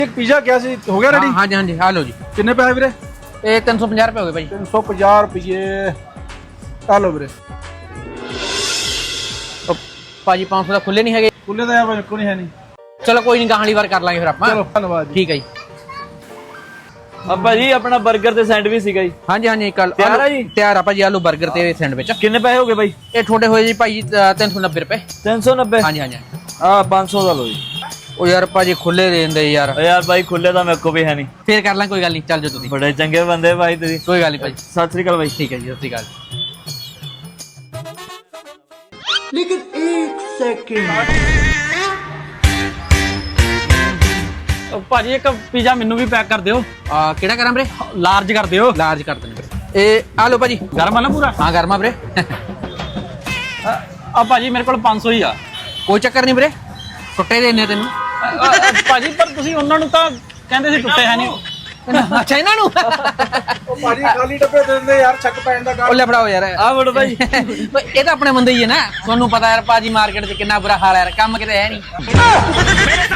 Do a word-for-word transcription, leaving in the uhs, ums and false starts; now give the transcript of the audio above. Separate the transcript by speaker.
Speaker 1: एक पिज़्ज़ा क्या सी हो गया रेडी?
Speaker 2: हाँ जी हाँ जी हाँ लो जी।
Speaker 1: कितने पैसे वीरे?
Speaker 2: ये तीन सौ पचास रुपये हो गए भाई।
Speaker 1: तीन सौ पचास रुपये आ लो वीरे।
Speaker 2: ਭਾਜੀ पाँच सौ ਦਾ ਖੁੱਲੇ ਨਹੀਂ ਹੈਗੇ।
Speaker 1: खुले तो यार मेरे को नहीं है नहीं।
Speaker 2: ਚਲੋ ਕੋਈ ਨਹੀਂ ਗਾਹਲੀ ਵਾਰ ਕਰ ਲਾਂਗੇ ਫਿਰ ਆਪਾਂ।
Speaker 1: चलो धन्यवाद जी।
Speaker 2: ਠੀਕ ਹੈ ਜੀ।
Speaker 3: ਆ ਭਾਜੀ ਆਪਣਾ 버ਗਰ ਤੇ ਸੈਂਡਵਿਚ ਸੀਗਾ ਜੀ।
Speaker 2: ਹਾਂਜੀ ਹਾਂਜੀ ਕੱਲ
Speaker 3: ਤਿਆਰ ਆ ਜੀ?
Speaker 2: ਤਿਆਰ ਆ ਭਾਜੀ। ਆਲੂ 버ਗਰ ਤੇ ਸੈਂਡਵਿਚ।
Speaker 3: ਕਿੰਨੇ ਪੈਸੇ ਹੋ ਗਏ ਬਾਈ?
Speaker 2: ਇਹ ਤੁਹਾਡੇ ਹੋਏ ਜੀ ਭਾਈ ਤਿੰਨ ਸੌ ਨੱਬੇ ਰੁਪਏ।
Speaker 3: ਤਿੰਨ ਸੌ ਨੱਬੇ।
Speaker 2: ਹਾਂਜੀ ਹਾਂਜੀ।
Speaker 3: ਆ ਪੰਜ ਸੌ ਦਾ ਲਓ ਜੀ।
Speaker 2: ਉਹ ਯਾਰ ਭਾਜੀ ਖੁੱਲੇ ਦੇ ਦਿੰਦੇ ਯਾਰ।
Speaker 3: ਓ ਯਾਰ ਬਾਈ ਖੁੱਲੇ ਤਾਂ ਮੇਰੇ ਕੋ ਵੀ ਹੈ ਨਹੀਂ।
Speaker 2: ਫੇਰ ਕਰ ਲਾਂ ਕੋਈ ਗੱਲ ਨਹੀਂ। ਚੱਲ ਜਾਓ ਤੁਸੀਂ।
Speaker 3: ਬੜੇ ਚੰਗੇ ਬੰਦੇ ਭਾਈ ਤੁਸੀਂ।
Speaker 2: ਕੋਈ ਗੱਲ ਨਹੀਂ ਭਾਜੀ।
Speaker 3: ਸਤਿ ਸ੍ਰੀ ਅਕਾਲ ਬਾਈ।
Speaker 2: ਠੀਕ ਹੈ ਜੀ। ਸਤਿ ਸ਼੍ਰੀ ਅਕਾਲ।
Speaker 3: ਲੇਕਿਨ ਇੱਕ ਸੈਕਿੰਡ
Speaker 4: ਭਾਜੀ ਇੱਕ ਪੀਜ਼ਾ ਮੈਨੂੰ ਵੀ ਪੈਕ ਕਰ ਦਿਓ।
Speaker 2: ਆ ਕਿਹੜਾ ਕਰਾਂ ਵੀਰੇ?
Speaker 4: ਲਾਰਜ ਕਰ ਦਿਓ।
Speaker 2: ਲਾਰਜ ਕਰ ਦਿੰਦੇ ਵੀਰੇ। ਇਹ ਆ ਲਓ ਭਾਜੀ।
Speaker 4: ਗਰਮ ਆ ਨਾ ਪੂਰਾ?
Speaker 2: ਹਾਂ ਗਰਮਾ ਵੀਰੇ।
Speaker 4: ਆ ਭਾਜੀ ਮੇਰੇ ਕੋਲ ਪੰਜ ਸੌ ਹੀ ਆ।
Speaker 2: ਕੋਈ ਚੱਕਰ ਨਹੀਂ ਵੀਰੇ। ਟੁੱਟੇ ਦੇਣੇ ਤੈਨੂੰ।
Speaker 4: ਅ, ਅ, ਭਾਜੀ ਪਰ ਤੁਸੀਂ ਉਹਨਾਂ ਨੂੰ ਤਾਂ ਕਹਿੰਦੇ ਸੀ ਟੁੱਟੇ ਹੈ ਨਹੀਂ।
Speaker 2: ਅੱਛਾ ਇਹਨਾਂ ਨੂੰ।
Speaker 1: ਉਹ ਭਾਜੀ ਖਾਲੀ ਡੱਬੇ ਦੇ ਦਿੰਦੇ ਯਾਰ, ਚੱਕ ਪੈਣ ਦਾ
Speaker 2: ਉਹ
Speaker 1: ਗੱਲ।
Speaker 2: ਲੈ ਫੜਾਓ ਯਾਰ।
Speaker 3: ਆ ਵੜ ਭਾਈ।
Speaker 2: ਇਹ ਤਾਂ ਆਪਣੇ ਬੰਦੇ ਹੀ ਹੈ ਨਾ। ਤੁਹਾਨੂੰ ਪਤਾ ਯਾਰ ਭਾਜੀ ਮਾਰਕੀਟ 'ਚ ਕਿੰਨਾ ਬੁਰਾ ਹਾਲ ਹੈ ਯਾਰ। ਕੰਮ ਕਿਤੇ ਹੈ ਨਹੀਂ।